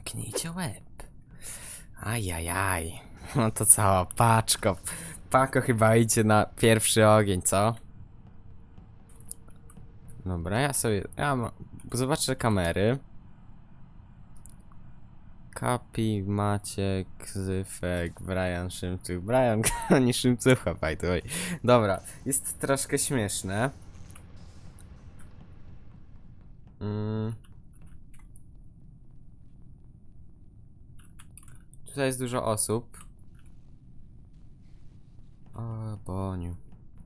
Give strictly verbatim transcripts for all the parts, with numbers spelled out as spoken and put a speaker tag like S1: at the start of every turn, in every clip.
S1: Zamknijcie łeb. Ajajaj. No to cała paczko. Pako chyba idzie na pierwszy ogień, co? Dobra, ja sobie... Ja ma, zobaczę kamery. Kapi, Maciek, Zyfek, Brian, Szymców. Brian, nie Szymcucha, by the way. Dobra, jest troszkę śmieszne. Mm. Tutaj jest dużo osób. O, Boniu.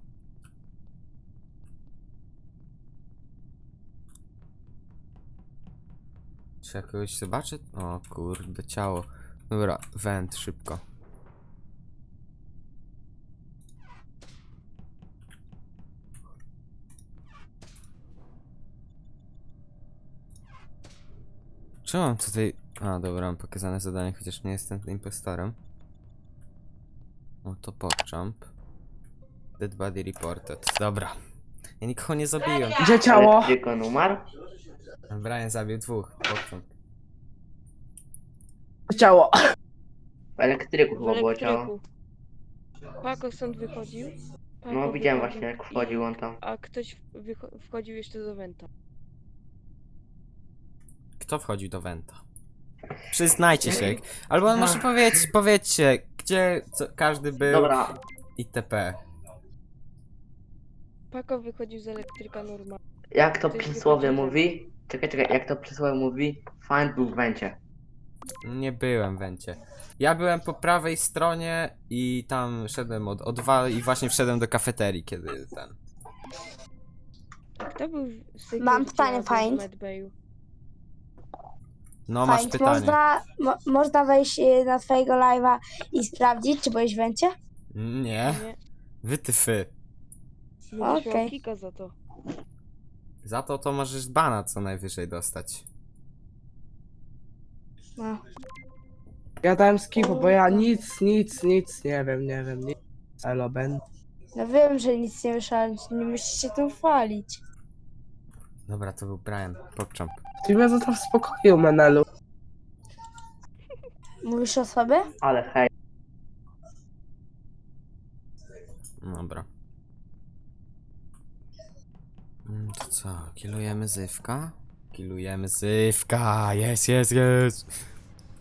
S1: Czy ja kogoś zobaczę? O kurde, ciało. Dobra, węd, szybko. Czy mam tutaj... A, dobra, mam pokazane zadanie, chociaż nie jestem impostorem. O, to PogChamp. Dead body reported. Dobra. Ja nikogo nie zabiłem.
S2: Gdzie ciało?
S3: Elektryko umarł?
S1: Brian zabił dwóch. PogChamp.
S2: Ciało.
S3: W elektryku
S4: W
S3: chyba było ciało.
S4: elektryku. Pako stąd wychodził. Pako
S3: No widziałem
S4: wychodził
S3: właśnie jak
S4: i-
S3: wchodził on tam.
S4: A ktoś wycho- wchodził jeszcze do Wenta.
S1: Kto wchodził do Wenta? Przyznajcie się. Albo może powiedz, powiedzcie, gdzie co, każdy był
S3: Dobra,
S1: itp.
S4: Pako wychodził z elektryka normalnie.
S3: jak to
S4: Ktoś
S3: przysłowie
S4: wychodził
S3: mówi? Czekaj, czekaj, jak to przysłowie mówi? Find był w węcie.
S1: Nie byłem w Wencie. Ja byłem po prawej stronie i tam szedłem od O dwa i właśnie wszedłem do kafeterii, kiedy ten...
S4: A kto był w security
S5: Mam pytanie,
S4: albo w
S5: Find.
S4: medbayu?
S1: No, masz
S5: Fajnie,
S1: pytanie.
S5: Można, mo, można wejść y, na twojego live'a i sprawdzić, czy byłeś w Wencie?
S1: Nie,
S4: Nie.
S1: wytyfy.
S4: Będziesz miał
S5: Okej.
S4: kika za to.
S1: Za to to możesz bana co najwyżej dostać.
S5: No.
S2: Ja dałem skipu, bo ja nic, nic, nic nie wiem, nie wiem, nic. Elo, Ben.
S5: No wiem, że nic nie wyszło, ale nie musisz się tym chwalić.
S1: Dobra, to był Brian, PogChamp.
S2: Ty mnie zostaw w spokoju, Menelu.
S5: Mówisz o sobie?
S3: Ale hej.
S1: Dobra. Mm, To co, killujemy Zywka? Killujemy Zywka, jest, jest, jest.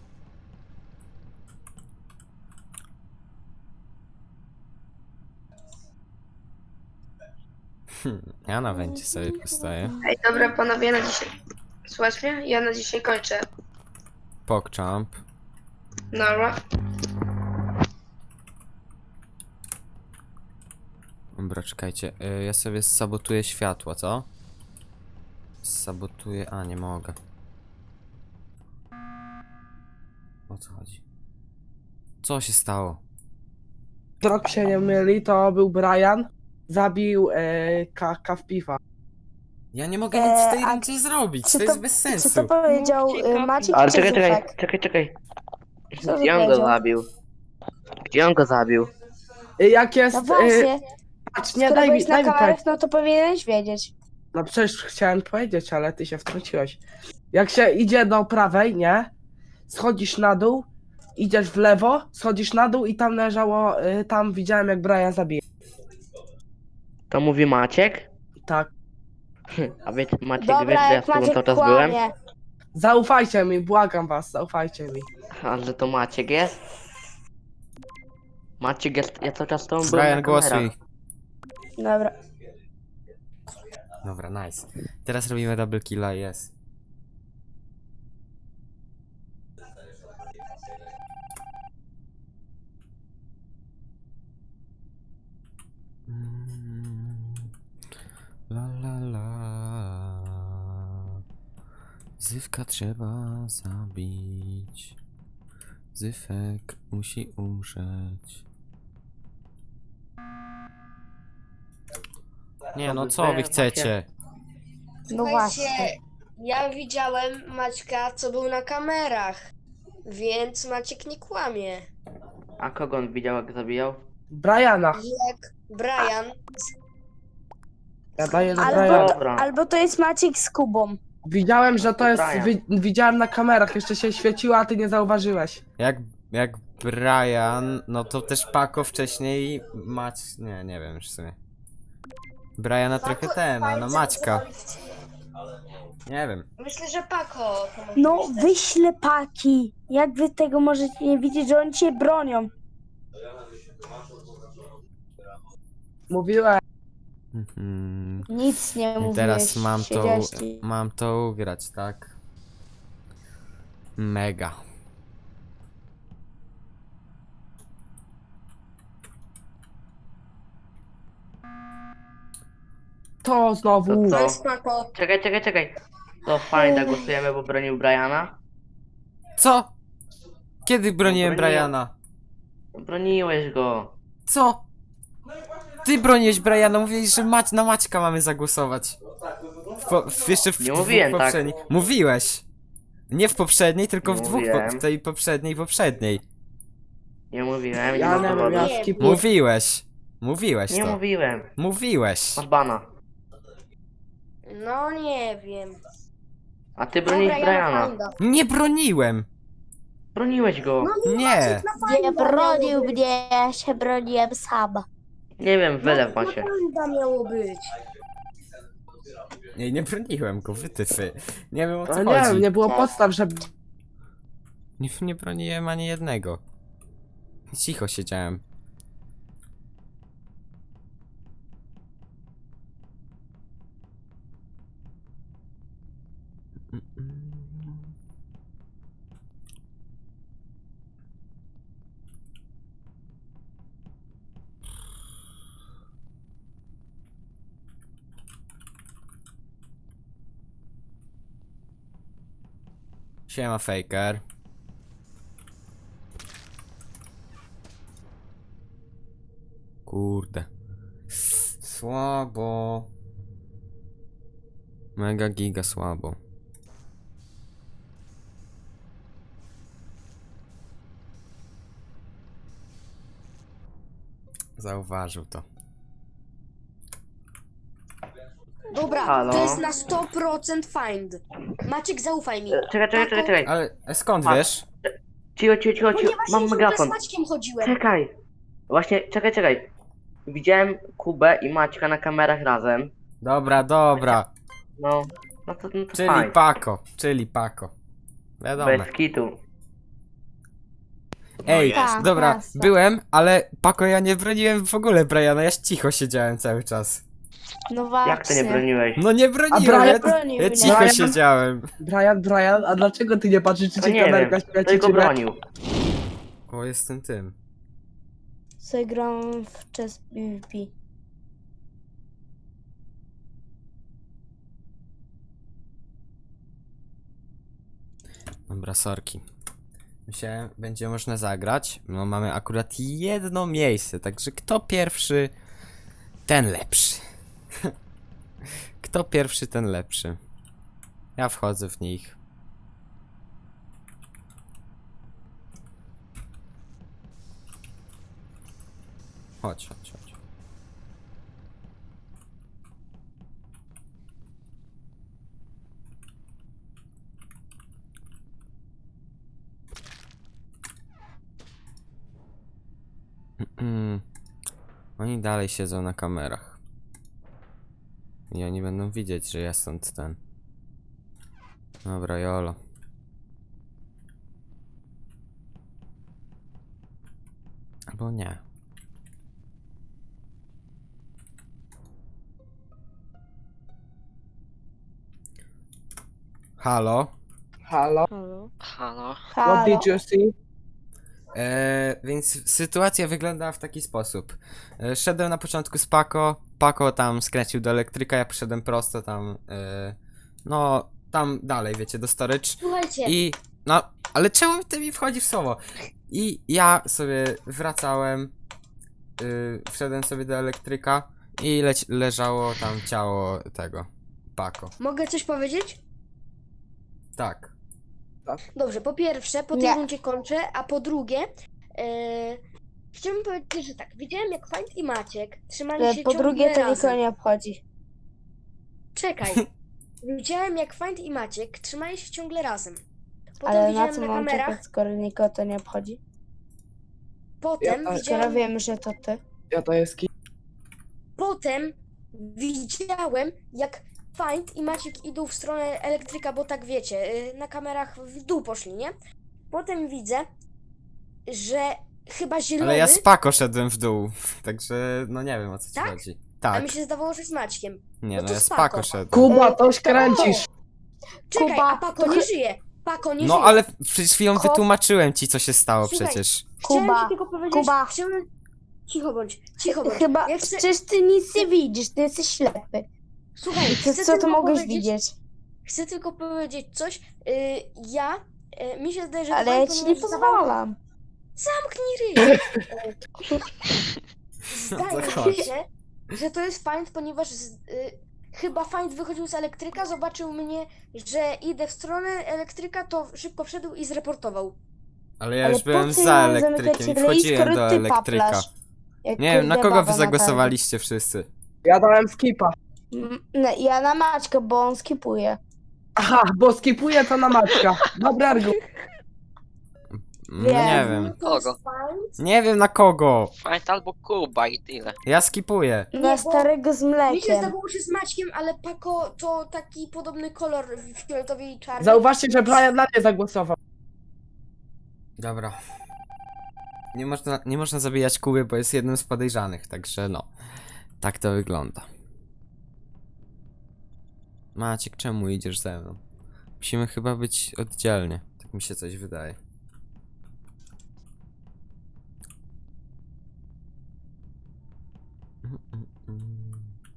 S1: Hmm, ja na Wencie sobie postoję.
S6: Ej, dobra panowie, na dzisiaj. Słuchasz mnie? Ja na dzisiaj kończę.
S1: PogChamp.
S6: Nara.
S1: Dobra, czekajcie, y, ja sobie sabotuję światła, co? Sabotuję... A, nie mogę. O co chodzi? Co się stało?
S2: Drog się nie myli, to był Brian. Zabił e, ka Kawpifa.
S1: Ja nie mogę nic w tej
S5: Eee, a
S1: rundzie zrobić,
S5: czy
S1: to
S5: to-
S1: jest bez
S5: Czy
S1: sensu.
S5: to powiedział
S4: Mówcie,
S5: y,
S4: Kapi.
S5: Maciek
S3: Ale
S5: czy
S3: czekaj, czekaj,
S5: Zyfek?
S3: czekaj, czekaj.
S5: Co
S3: Gdzie on go
S5: powiedział?
S3: zabił? Gdzie on go zabił?
S2: E, Jak jest...
S5: No
S2: E,
S5: właśnie,
S2: patrz, nie,
S5: skoro
S2: daj mi,
S5: byłeś na
S2: daj mi
S5: kamerach,
S2: powiedzieć.
S5: no to powinieneś wiedzieć.
S2: No przecież chciałem powiedzieć, ale ty się wtrąciłeś. Jak się idzie do prawej, nie? Schodzisz na dół, idziesz w lewo, schodzisz na dół i tam leżało, y, tam widziałem jak Brian zabije.
S3: To mówi Maciek?
S2: Tak.
S3: A wiecie, Maciek wie, że
S5: Dobra,
S3: ja
S5: jak
S3: z tobą
S5: Maciek
S3: cały czas byłem?
S5: kłamie.
S2: Zaufajcie mi, błagam was, zaufajcie mi.
S3: A że to Maciek jest? Maciek jest, ja cały czas z tobą byłem
S1: Brian,
S3: na kamerach.
S1: głosuj.
S5: Dobra.
S1: Dobra, nice. Teraz robimy double killa, jest. Mm, La la la. Zywka trzeba zabić. Zyfek musi umrzeć. Nie no, co wy chcecie?
S5: No właśnie.
S6: Ja widziałem Maćka, co był na kamerach. Więc Maciek nie kłamie.
S3: A kogo on widział jak zabijał?
S2: Briana.
S6: Jak Brian.
S2: Ja daję na
S5: Albo
S2: Briana.
S5: to,
S3: Dobra.
S5: albo to jest Maciek z Kubą.
S2: Widziałem, że to jest.
S3: Brian.
S2: Wi widziałem na kamerach, jeszcze się świeciło, a ty nie zauważyłeś.
S1: Jak, jak Brian, no to też Paco wcześniej Mać... Nie, nie wiem już w sumie. Briana trochę ten, a no Maćka. Nie wiem.
S6: Myślę, że Pako to może
S5: No,
S6: być też.
S5: wy ślepaki. Jak wy tego możecie nie widzieć, że oni się bronią?
S2: Mówiłem.
S1: Mhm.
S5: Nic nie
S1: I
S5: mówiłeś.
S1: teraz mam to,
S5: siedziałeś-
S1: mam to ugrać, tak? Mega.
S2: To znowu.
S3: To
S6: To
S3: co?
S6: jest Pako.
S3: Czekaj, czekaj, czekaj. To fajnie, głosujemy, bo bronił Briana.
S1: Co? Kiedy broniłem
S3: broniłem.
S1: Briana?
S3: Broniłeś go.
S1: Co? Ty broniłeś Briana, mówiłeś, że Mać, na Maćka mamy zagłosować. W, po, w, jeszcze w
S3: Nie
S1: dwóch
S3: mówiłem tak.
S1: poprzednich. Mówiłeś. Nie w poprzedniej, tylko
S3: Nie
S1: w dwóch, po,
S3: mówiłem.
S1: w tej poprzedniej, poprzedniej.
S3: Nie mówiłem, nie
S2: Ja
S3: mam
S2: nie wiem,
S3: dowodu.
S2: ja
S6: Nie.
S2: skipuję.
S1: Mówiłeś. Mówiłeś
S3: Nie
S1: to.
S3: mówiłem.
S1: Mówiłeś.
S3: Masz bana.
S6: No nie wiem.
S3: A ty broniłeś
S6: Dobra, ja na
S3: Briana.
S6: Finda.
S1: Nie broniłem.
S3: Broniłeś go.
S6: No
S1: Nie.
S5: Nie bronił mnie, ja się broniłem sama.
S3: Nie wiem, wylew
S6: No
S3: macie.
S6: Finda miało być.
S1: Nie, nie broniłem go, wytyfy. Nie wiem o co
S2: No nie
S1: chodzi.
S2: wiem, nie było podstaw, że.
S1: Nie, nie broniłem ani jednego. Cicho siedziałem. Siema, Faker. Kurde. Słabo. Mega giga słabo. Zauważył to.
S6: Dobra,
S3: Halo?
S6: to jest na sto procent Find. Maciek, zaufaj mi.
S3: Czekaj, czekaj, czekaj, czekaj.
S1: Ale e, skąd
S3: A.
S1: wiesz?
S3: Cicho, cicho, cicho, cicho.
S6: Ponieważ
S3: Mam
S6: ja ciągle
S3: megafon.
S6: z Maćkiem chodziłem.
S3: Czekaj. Właśnie, czekaj, czekaj. Widziałem Kubę i Maćka na kamerach razem.
S1: Dobra, dobra.
S3: No, no to, no to
S1: Czyli
S3: fajnie.
S1: Paco, czyli Paco. Wiadomo.
S3: Bez kitu.
S1: Ej,
S5: Tak,
S1: dobra,
S5: jasne.
S1: byłem, ale Paco, ja nie broniłem w ogóle Briana, ja cicho siedziałem cały czas.
S5: No właśnie.
S3: Jak to nie broniłeś?
S1: No nie broniłem,
S2: Brian
S1: ja,
S5: bronił
S1: ja
S5: mnie.
S1: cicho
S2: Brian?
S1: siedziałem.
S2: Brian, Brian, a dlaczego ty nie patrzysz, czy
S3: No
S2: cię
S3: nie wiem,
S2: kamerka świeci,
S3: tylko
S2: czy nie?
S3: bronił.
S1: O, jestem tym.
S5: Sobie gram w chess PvP.
S1: Dobra, sorki. Myślałem, będzie można zagrać. No mamy akurat jedno miejsce, także kto pierwszy, ten lepszy. Kto pierwszy, ten lepszy. Ja wchodzę w nich. Chodź, chodź, chodź. Mm. Oni dalej siedzą na kamerach. I oni będą widzieć, że ja stąd ten. Dobra, jolo. Albo nie. Halo?
S2: Halo?
S4: Halo?
S7: Halo?
S2: What
S5: Halo.
S2: did you see?
S1: Eee, więc sytuacja wyglądała w taki sposób. E, szedłem na początku z Paco, Paco tam skręcił do elektryka, ja poszedłem prosto tam, e, no tam dalej, wiecie, do storage
S6: Słuchajcie,
S1: i, no, ale czemu ty mi wchodzi w słowo? I ja sobie wracałem, y, wszedłem sobie do elektryka i leć, leżało tam ciało tego, Paco.
S6: mogę coś powiedzieć?
S1: Tak.
S6: Dobrze, po pierwsze, po tej
S5: Nie.
S6: rundzie kończę, a po drugie, e, chciałbym powiedzieć, że tak, widziałem jak Find i Maciek trzymali się
S5: Po
S6: ciągle
S5: drugie, to
S6: razem.
S5: nikogo nie obchodzi.
S6: Czekaj, widziałem jak Find i Maciek trzymali się ciągle razem. Potem
S5: Ale na
S6: widziałem
S5: co
S6: na,
S5: mam
S6: kamerach,
S5: czekać, skoro nikogo to nie obchodzi?
S6: potem
S2: Ja-
S5: Skoro
S6: widziałem,
S5: wiemy, że to ty.
S2: Ja to jest ki...
S6: potem widziałem jak Find i Maciek idą w stronę elektryka, bo tak wiecie, y, na kamerach w dół poszli, nie? Potem widzę, że chyba zielony,
S1: Ale ja z Pako szedłem w dół, także no nie wiem o co ci
S6: Tak?
S1: chodzi.
S6: a
S1: Tak,
S6: mi się zdawało, że z Maćkiem.
S1: nie
S6: no
S1: no
S6: to
S1: ja z
S6: spoko.
S1: Pako szedłem.
S2: Kuba, toś kręcisz.
S6: Czekaj,
S5: Kuba,
S6: a Pako
S5: to
S6: nie
S5: chy-
S6: żyje! Pako nie
S1: No
S6: żyje!
S1: ale przed chwilą
S5: Ko-
S1: wytłumaczyłem ci co się stało
S6: Słuchaj,
S1: przecież.
S6: Chciałem
S5: Kuba,
S6: ci tylko powiedzieć,
S5: Kuba.
S6: chciałem... Cicho bądź, cicho bądź.
S5: Chyba,
S6: Ja chcę...
S5: przecież ty nic nie widzisz, ty jesteś ślepy.
S6: Słuchaj,
S5: To
S6: chcę
S5: co tu
S6: tylko
S5: mogłeś
S6: powiedzieć-
S5: widzieć?
S6: Chcę tylko powiedzieć coś. Yy, ja, yy, mi się zdaje, że...
S5: Ale
S6: Dwaj
S5: ja ci nie
S6: ponieważ zdawało-
S5: pozwalam.
S6: Zamknij ryj!
S1: No
S6: Zdaje
S1: to chodź.
S6: mi się, że to jest Find, ponieważ z, y, chyba Find wychodził z elektryka, zobaczył mnie, że idę w stronę elektryka, to szybko wszedł i zreportował.
S1: Ale ja
S5: Ale
S1: już
S5: po
S1: byłem
S5: co
S1: za
S5: ja mam
S1: elektrykiem
S5: zamykać
S1: i
S5: ryj,
S1: wchodziłem
S5: skoro
S1: do
S5: ty
S1: elektryka.
S5: paplasz? Jak
S1: Nie wiem, na
S5: kurde
S1: kogo wy
S5: baba
S1: zagłosowaliście wszyscy?
S2: Ja dałem skipa.
S5: targu. Mm, no, ja na Maćka, bo on skipuje.
S2: Aha, bo skipuję to na Maćka. Dobry argument.
S1: Mm, Nie
S5: Wiem.
S1: wiem.
S6: To jest
S7: Kogo?
S6: Find.
S1: Nie wiem na kogo.
S7: Find albo Kuba i tyle.
S1: Ja skipuję.
S5: Na
S6: bo
S5: starego z
S6: Mi się
S5: mlekiem.
S6: zdawało, że z Maćkiem, ale Pako to taki podobny kolor fioletowy i czarny.
S2: Zauważcie, że Brian na mnie zagłosował.
S1: Dobra. Nie można, nie można zabijać Kuby, bo jest jednym z podejrzanych, także no. Tak to wygląda. Maciek, czemu idziesz ze mną? Musimy chyba być oddzielnie. Tak mi się coś wydaje. Mm, mm, mm.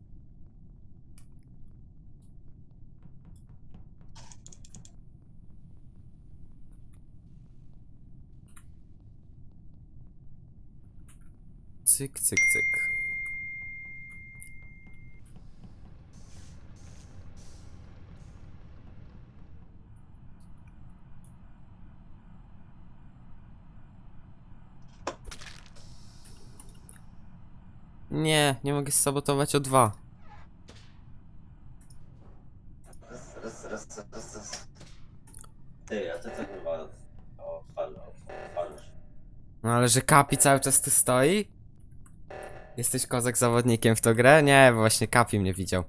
S1: Cyk, cyk, cyk. Nie, nie mogę sabotować o dwa.
S8: Raz, raz, raz, raz, raz. Ty, a ty co kurwa odpalasz?
S1: No ale że Kapi cały czas tu stoi? Jesteś kozak zawodnikiem w tą grę? Nie, bo właśnie Kapi mnie widział.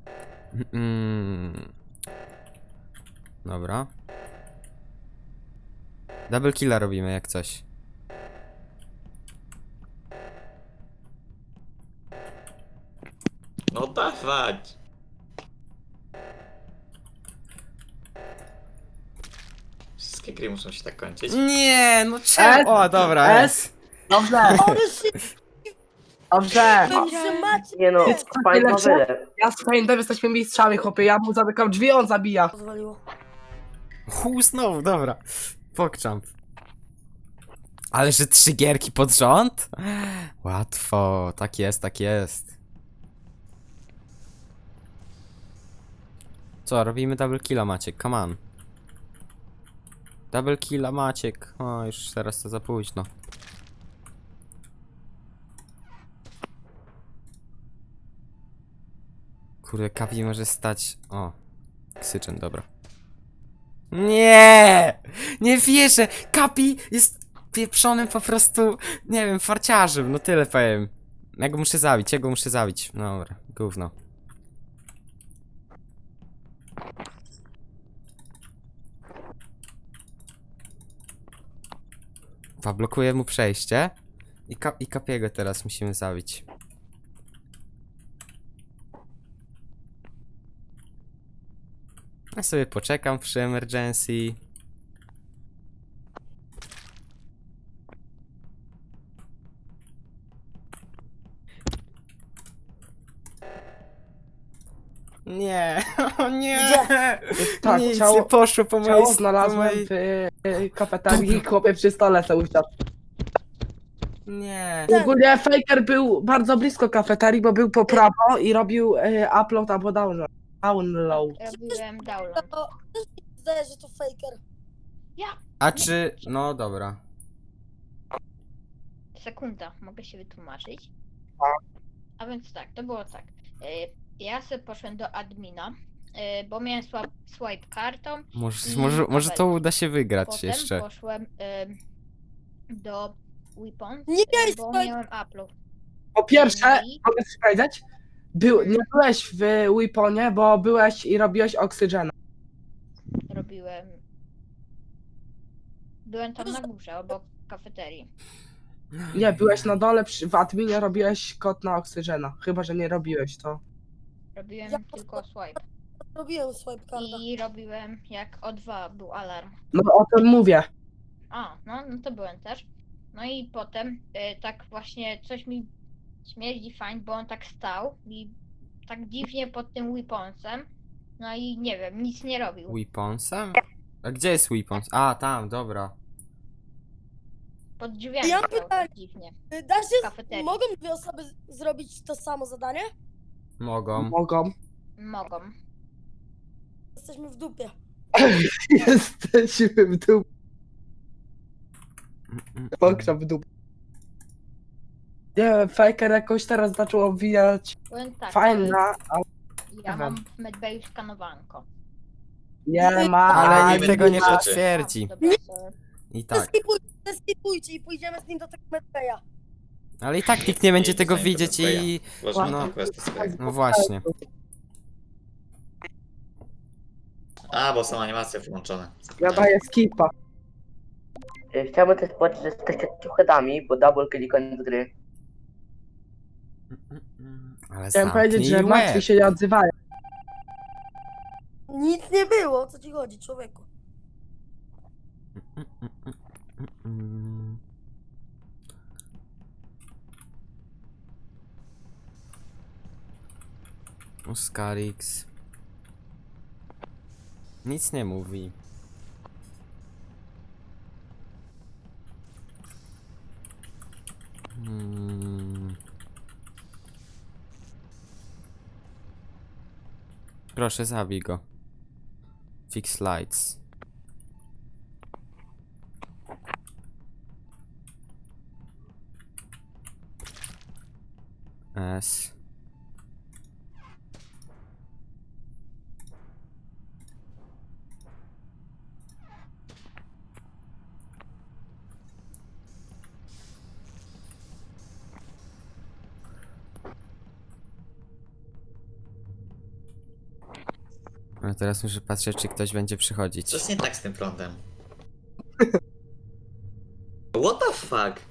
S1: Mm. Dobra. Double killa robimy jak coś.
S8: No dawać! Wszystkie gry muszą się tak kończyć.
S1: Nie, no czemu? O, dobra,
S2: S.
S1: jest.
S2: Dobrze. Dobrze.
S3: Nie no,
S2: Jest
S3: Find ma
S2: lepsze?
S3: wyle.
S2: Ja z Findem jesteśmy mistrzami, chłopie. Ja mu zamykam drzwi, on zabija.
S1: Hu, znowu, dobra. Pokczamp. Ale że trzy gierki pod rząd? Łatwo, tak jest, tak jest. Co, robimy double killa, Maciek, come on. Double killa, Maciek. O, już teraz to za późno. Kurde, Kapi może stać... O, Ksyczen, dobra. Nie! Nie wierzę! Kapi jest pieprzonym po prostu, nie wiem, farciarzem, no tyle powiem. Ja go muszę zabić, ja go muszę zabić. Dobra, gówno. Zablokuję mu przejście. I, ka i Kapiego teraz musimy zabić. Ja sobie poczekam przy emergency. Nie, o nie!
S2: Tak,
S1: Nic
S2: ciało-
S1: nie poszło po mojej
S2: Ciało
S1: po
S2: znalazłem
S1: mojej...
S2: w y, kafeterii, chłopie przy stole se usiadł.
S1: Nie.
S2: Ogólnie Faker był bardzo blisko kafeterii, bo był po prawo i robił y, upload albo download. Download.
S9: Robiłem download.
S10: Zdaje, że to faker.
S1: A czy... No dobra.
S9: Sekunda, mogę się wytłumaczyć. A więc tak, to było tak. Y, Ja sobie poszedłem do admina y, bo miałem swa- swipe kartą.
S1: Może,
S9: I
S1: może, może to
S9: nawet
S1: uda się wygrać
S9: Potem
S1: jeszcze.
S9: poszłem y, do Weapon,
S10: Nie miałeś
S9: bo
S10: swipe-
S9: miałem upload.
S2: Po pierwsze,
S9: No i-
S2: mogę coś powiedzieć? Był, nie byłeś w Weaponie, bo byłeś i robiłeś oksygena.
S9: Robiłem. Byłem tam na górze, obok kafeterii.
S2: Nie, byłeś na dole, przy, w adminie robiłeś kod na oksygena. Chyba, że nie robiłeś to.
S9: Robiłem
S10: Ja-
S9: tylko swipe.
S10: Robiłem swipe karta.
S9: I robiłem jak O dwa był alarm.
S2: No o tym mówię.
S9: A, no, no to byłem też. No i potem y, tak właśnie coś mi śmierdzi fajnie, bo on tak stał i tak dziwnie pod tym weaponsem. No i nie wiem, nic nie robił.
S1: Weaponsem? A gdzie jest Weapons? A, tam, dobra.
S9: Pod drzwiami
S10: Ja
S9: stał
S10: pytanie.
S9: tak dziwnie.
S10: Y, Da się,
S9: Kafeterii.
S10: mogą dwie osoby z- zrobić to samo zadanie?
S1: Mogą.
S2: Mogą.
S9: Mogą.
S10: Jesteśmy w dupie.
S2: Jesteśmy w dół.
S1: Mm, mm,
S2: Pokrzep w dół. Nie wiem, Faker jakoś teraz zaczął obwijać.
S9: Powiem tak,
S2: Fajna, ale
S9: y, ja mam w medbayu skanowanko.
S2: nie ma.
S1: Ale
S2: ani
S1: nikt tego nie
S2: ma.
S1: potwierdzi.
S9: Dobra, sorry.
S1: I tak.
S10: Skipujcie, skipujcie i pójdziemy z nim do tego medbaya.
S1: Ale i tak nikt nie będzie
S8: Idź
S1: tego
S8: za nim do
S1: widzieć i...
S8: Uważaj
S1: No.
S8: na questy swoje.
S1: No właśnie.
S8: A, bo są animacje włączone.
S2: Ja daję skipa.
S3: Y, Chciałbym też powiedzieć, że jesteście ciuchedami, bo double kill koniec gry.
S1: Ale
S2: Chciałem powiedzieć, że
S1: zamknij
S2: martwi
S1: łeb.
S2: się nie odzywają.
S10: Nic nie było, o co ci chodzi, człowieku?
S1: Mm. Oscarix. Nic nie mówi. Hmm. Proszę, zabij go. Fix lights. S. A teraz muszę patrzeć, czy ktoś będzie przychodzić.
S8: Coś nie tak z tym prądem. What the fuck?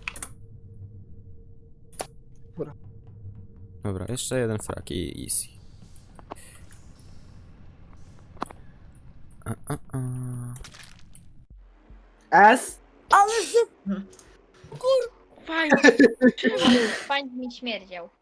S1: Dobra, jeszcze jeden frag i easy. A, a, a.
S2: S?
S10: Ale że
S4: Fajnie.
S9: Fajnie mi śmierdział.